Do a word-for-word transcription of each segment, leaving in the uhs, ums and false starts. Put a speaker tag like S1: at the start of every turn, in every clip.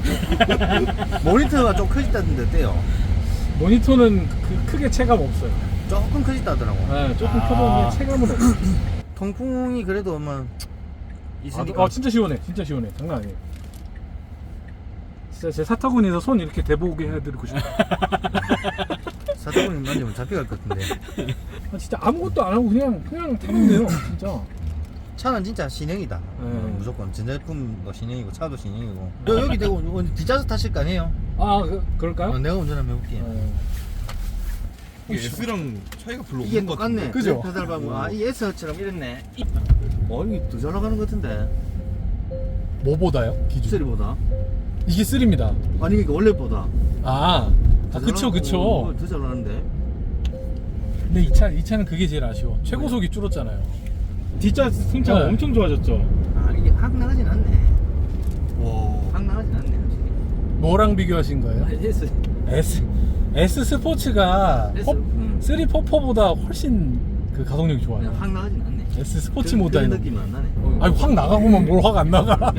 S1: 모니터가 좀 커졌다던데 어때요?
S2: 모니터는 그 크게 체감 없어요.
S1: 조금 커졌다더라고.
S2: 네, 조금
S3: 아.
S2: 커졌는데 체감은 없어요.
S1: 통풍이 그래도 뭐
S2: 아,
S1: 있으니까.
S2: 아 진짜 시원해, 진짜 시원해, 장난 아니에요. 진짜 제 사타구니에서 손 이렇게 대보게 해드리고 싶어요.
S1: 사타구니 만지면 잡혀갈 것 같은데.
S2: 아, 진짜 아무것도 안 하고 그냥 그냥 타면 돼요, 진짜.
S1: 차는 진짜 신형이다.
S2: 네.
S1: 어, 무조건 전자제품도 신형이고 차도 신형이고. 여, 여기 대고 오늘 뒷좌석 타실 거 아니에요?
S2: 아, 그, 그럴까요?
S1: 어, 내가 운전 한번 해볼게.
S2: 네.
S4: S랑 차이가 별로
S1: 이게
S4: 없는 것 같은데.
S1: 똑같네.
S2: 그죠?
S1: 페달 밟고 아이 S처럼 이랬네. 어 이게 더 잘 나가는 것 같은데.
S2: 뭐보다요? 기준.
S1: 쓰리보다.
S2: 이게 쓰리입니다.
S1: 아니 그러니까 원래보다.
S2: 아, 아
S1: 더
S2: 그쵸
S1: 잘
S2: 그쵸.
S1: 나가고, 더 잘 나가는데.
S2: 근데 이 차, 이 차는 그게 제일 아쉬워. 최고속이 줄었잖아요.
S3: 뒷좌 승차가
S2: 네.
S3: 엄청 좋아졌죠.
S1: 아 이게 확 나가진 않네.
S4: 와.
S1: 확 나가진 않네 확실히.
S2: 뭐랑 비교하신 거예요?
S1: S.
S2: S S 스포츠가
S1: S.
S2: 포,
S1: 음.
S2: 쓰리 포포보다 훨씬 그 가속력이 좋아요.
S1: 그냥 확 나가진 않네.
S2: S 스포츠
S1: 그-
S2: 모델.
S1: 그런 느낌은 안 나네.
S2: 아니 확 나가고만 뭘 확 안 나가.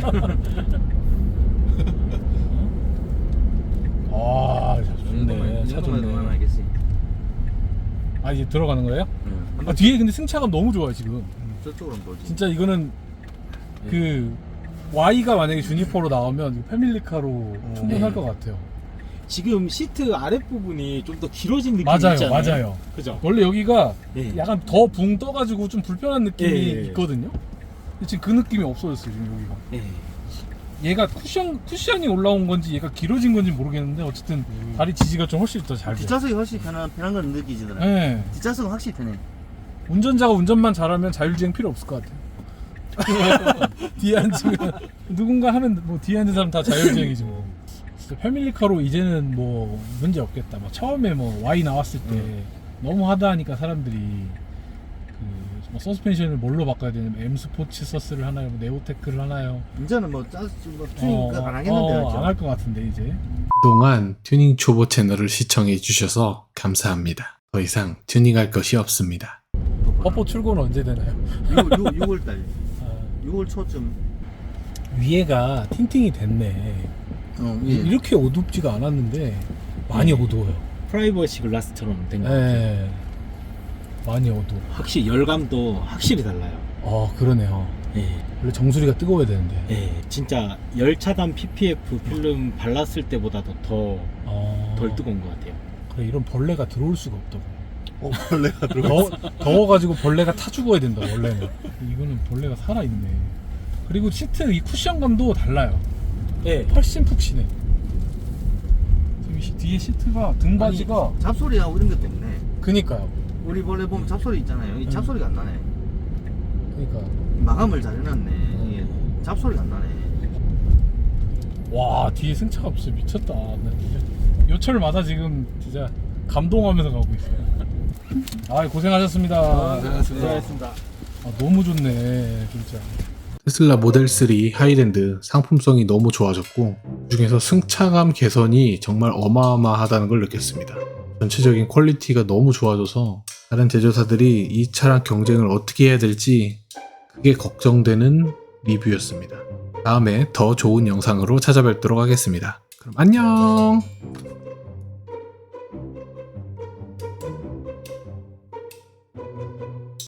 S2: 아, 차 좋네. 차 좋네.
S1: 알겠지.
S2: 아 이제 들어가는 거예요?
S1: 응.
S2: 아 뒤에 근데 승차감 너무 좋아요 지금.
S1: 저쪽으로 한번 보지.
S2: 진짜 이거는 그 Y가 만약에 주니퍼로 나오면 패밀리카로 충분할
S3: 네.
S2: 것 같아요.
S3: 지금 시트 아랫부분이 좀 더 길어진 느낌이
S2: 맞아요,
S3: 있잖아요.
S2: 맞아요.
S3: 그죠?
S2: 원래 여기가
S3: 네.
S2: 약간 더 붕 떠가지고 좀 불편한 느낌이
S3: 예.
S2: 있거든요. 근데 지금 그 느낌이 없어졌어요 지금 여기가.
S3: 네.
S2: 얘가 쿠션 쿠션이 올라온 건지 얘가 길어진 건지 모르겠는데 어쨌든 다리 지지가 좀 훨씬 더 잘 돼요.
S1: 뒷좌석이 훨씬 편한 편한 건 느끼지더라.
S2: 네.
S1: 뒷좌석은 확실히 편해.
S2: 운전자가 운전만 잘하면 자율주행 필요 없을 것 같아요. 뒤에 앉으면 누군가 하면 뭐 뒤에 앉은 사람 다 자율주행이지 뭐. 진짜 패밀리카로 이제는 뭐 문제 없겠다. 뭐 처음에 뭐 Y 나왔을 때
S1: 음.
S2: 너무 하다하니까 사람들이 그 뭐 서스펜션을 뭘로 바꿔야 되냐면 M 스포츠 서스를 하나요, 뭐 네오테크를 하나요?
S1: 이제는 뭐 짜스 뭐 튜닝 안 하겠는데
S2: 어,
S1: 그죠?
S2: 안 할 것 같은데 이제.
S5: 그동안 튜닝 초보 채널을 시청해 주셔서 감사합니다. 더 이상 튜닝할 것이 없습니다.
S2: 퍼포 출고는 언제 되나요?
S1: 유월 달
S2: 아,
S1: 유월 초쯤.
S2: 위에가 틴팅이 됐네.
S1: 어,
S2: 이렇게 어둡지가 않았는데 많이 어두워요.
S3: 프라이버시 글라스처럼 된 거
S2: 예,
S3: 같아요.
S2: 많이 어두워.
S3: 확실히 열감도 확실히 달라요.
S2: 어, 그러네요.
S3: 예.
S2: 원래 정수리가 뜨거워야 되는데.
S3: 예. 진짜 열차단 피피에프 필름 발랐을 때보다도 더 덜
S2: 어,
S3: 뜨거운 것 같아요.
S2: 그래, 이런 벌레가 들어올 수가 없다고.
S4: 어, 벌레가 들어.
S2: 더워, 더워가지고 벌레가 타 죽어야 된다, 원래는. 이거는 벌레가 살아있네. 그리고 시트 이 쿠션감도 달라요.
S3: 예.
S2: 훨씬 푹신해. 지금 시- 뒤에 시트가 등받이가.
S1: 잡소리하고 이런 것도 없네.
S2: 그니까요.
S1: 우리 원래 보면 잡소리 있잖아요. 이
S2: 음.
S1: 잡소리가 안 나네.
S2: 그니까.
S1: 마감을 잘 해놨네. 이게 잡소리가 안 나네.
S2: 와, 뒤에 승차가 진짜 미쳤다. 나 진짜 요철마다 지금 진짜 감동하면서 가고 있어요. 아, 고생하셨습니다.
S3: 수고하셨습니다.
S2: 아, 너무 좋네, 진짜.
S5: 테슬라 모델 쓰리 하이랜드 상품성이 너무 좋아졌고 그중에서 승차감 개선이 정말 어마어마하다는 걸 느꼈습니다. 전체적인 퀄리티가 너무 좋아져서 다른 제조사들이 이 차랑 경쟁을 어떻게 해야 될지 그게 걱정되는 리뷰였습니다. 다음에 더 좋은 영상으로 찾아뵙도록 하겠습니다. 그럼 안녕!